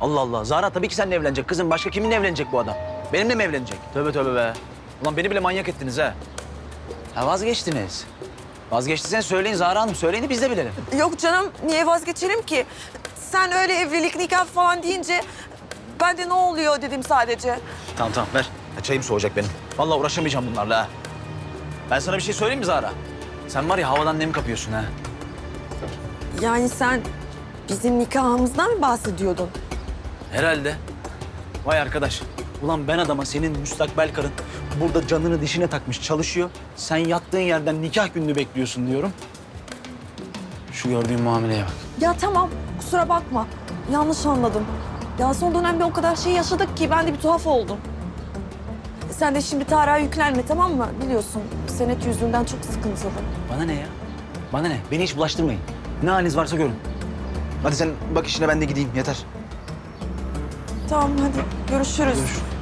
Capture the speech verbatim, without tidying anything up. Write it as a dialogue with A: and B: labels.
A: Allah Allah. Zahra tabii ki seninle evlenecek kızım. Başka kiminle evlenecek bu adam? Benimle mi evlenecek? Tövbe tövbe be. Ulan beni bile manyak ettiniz ha. Ha vazgeçtiniz. Vazgeçtiyseniz söyleyin Zahra Hanım. Söyleyin de biz de bilelim.
B: Yok canım, niye vazgeçelim ki? Sen öyle evlilik, nikah falan deyince ben de ne oluyor dedim sadece.
A: Tamam tamam ver. Ya, çayım soğuyacak benim. Vallahi uğraşamayacağım bunlarla ha. Ben sana bir şey söyleyeyim mi Zahra? Sen var ya havadan nem kapıyorsun ha.
B: Yani sen bizim nikahımızdan mı bahsediyordun?
A: Herhalde. Vay arkadaş. Ulan ben adama senin müstakbel karın burada canını dişine takmış çalışıyor. Sen yattığın yerden nikah gününü bekliyorsun diyorum. Şu gördüğün muameleye bak.
B: Ya tamam, kusura bakma. Yanlış anladım. Ya son dönemde o kadar şey yaşadık ki ben de bir tuhaf oldum. Sen de şimdi Tarık'a yüklenme, tamam mı? Biliyorsun senet yüzünden çok sıkıntılı.
A: Bana ne ya? Bana ne? Beni hiç bulaştırmayın. Ne haliniz varsa görün. Hadi sen bak işine ben de gideyim yeter.
B: Tamam hadi görüşürüz.
A: Görüşürüz.